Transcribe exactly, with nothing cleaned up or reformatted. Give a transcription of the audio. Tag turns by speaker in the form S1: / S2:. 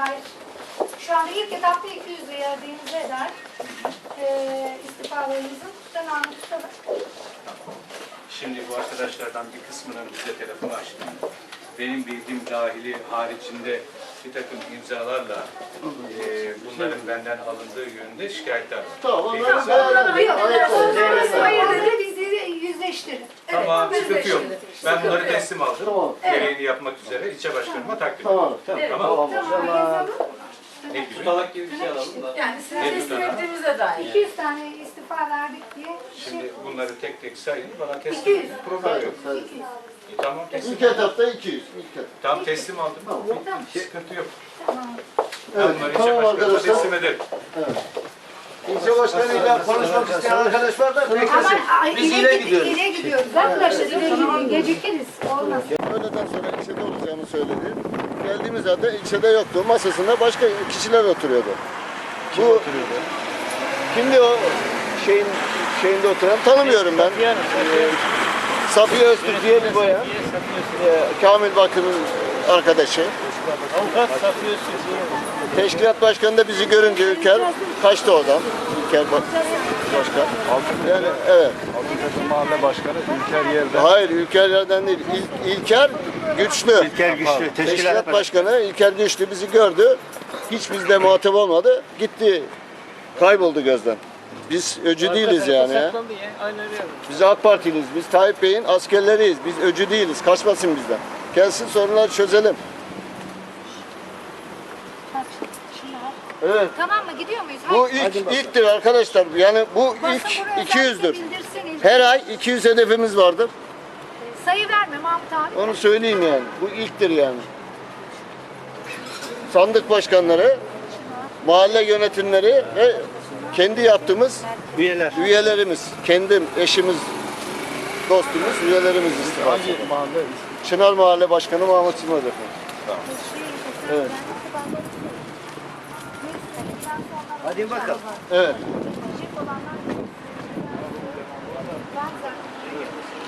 S1: dair şu anda ilk etapta iki yüz verdiğimize eder e, istifalarımızın tutanağını tutalım.
S2: Şimdi bu arkadaşlardan bir kısmının bize telefonu açtı. Benim bildiğim dahili haricinde bir takım imzalarla e, bunların benden alındığı yönünde şikayetler var.
S3: Tamam,
S2: Peki,
S3: onları
S2: sen-
S1: Onları hayır dedi, bizi yüzleştirin.
S2: Tamam, sıkıntı yok. Ben bunları teslim aldım.
S3: Tamam.
S2: Gereğini yapmak üzere ilçe başkanıma takdim ettim.
S3: Tamam, tamam.
S2: Tamam.
S1: Tamam, yazalım.
S2: Ne gibi?
S4: Tutalak gibi bir şey alalım da.
S5: Yani size
S2: Ne
S5: teslim
S2: tutanağı?
S5: ettiğimize dair.
S1: iki yüz tane istifa verdik diye
S2: Şimdi bunları tek tek sayın, bana
S1: iki
S2: teslim
S1: yüz.
S2: edin. Problem yok.
S1: iki yüz.
S2: E, tamam, teslim.
S3: İlk etapta iki yüz. İlk etap.
S2: Tamam, teslim aldım.
S1: Tamam.
S2: Sıkıntı yok.
S1: Tamam.
S2: Ben
S3: Evet,
S2: bunları ilçe
S3: tamam
S2: başkanıma
S3: arkadaşlar.
S2: teslim ederim.
S4: İlçe başkanıyla konuşmak isteyen arkadaş var da
S1: Ama
S4: beklesin.
S1: ay,
S4: Biz
S1: ileri,
S4: ileri
S1: gid-
S4: gidiyoruz.
S1: ileri gidiyoruz arkadaşlar. İleri gidiyoruz. Gecikiriz. Olmaz.
S3: Öğleden sonra ilçede olacağımı söyledi. Geldiğimiz halde ilçede yoktu. Masasında başka kişiler oturuyordu. Bu kimdi o şeyin şeyinde oturan? Tanımıyorum ben. Ee, Safiye Öztürk diye bir bayan. Ee, Kamil Bakır'ın arkadaşı.
S4: Avukat Safiye Öztürk.
S3: Teşkilat başkanı da bizi görünce Ülker kaçtı oradan. Ülker bak başkan. Yani evet.
S6: Altıntepe Mahalle Başkanı İlker Yerden.
S3: Hayır Ülker yerden değil. İl, İlker Güçlü.
S6: İlker Güçlü.
S3: Teşkilat başkanı İlker Güçlü bizi gördü. Hiç bizle muhatap olmadı. Gitti. Kayboldu gözden. Biz öcü değiliz yani ya. Biz AK Partiliyiz. Biz Tayyip Bey'in askerleriyiz. Biz öcü değiliz. Kaçmasın bizden. Gelsin sorunları çözelim. Evet.
S1: Tamam mı? Gidiyor muyuz?
S3: Bu ilk ilktir arkadaşlar. Yani bu ilk iki yüzdür. Her ay iki yüz hedefimiz vardır.
S1: Sayı verme Mahmut abi.
S3: Onu söyleyeyim yani. Bu ilktir yani. Sandık başkanları, mahalle yönetimleri ve kendi yaptığımız
S6: Üyeler.
S3: üyelerimiz, kendim, eşimiz, dostumuz, üyelerimiz istifa.
S6: Hangi mahalle?
S3: Çınar Mahalle Başkanı Mahmut Sımaz efendim. Evet.
S4: Hadi bakalım.
S3: Evet.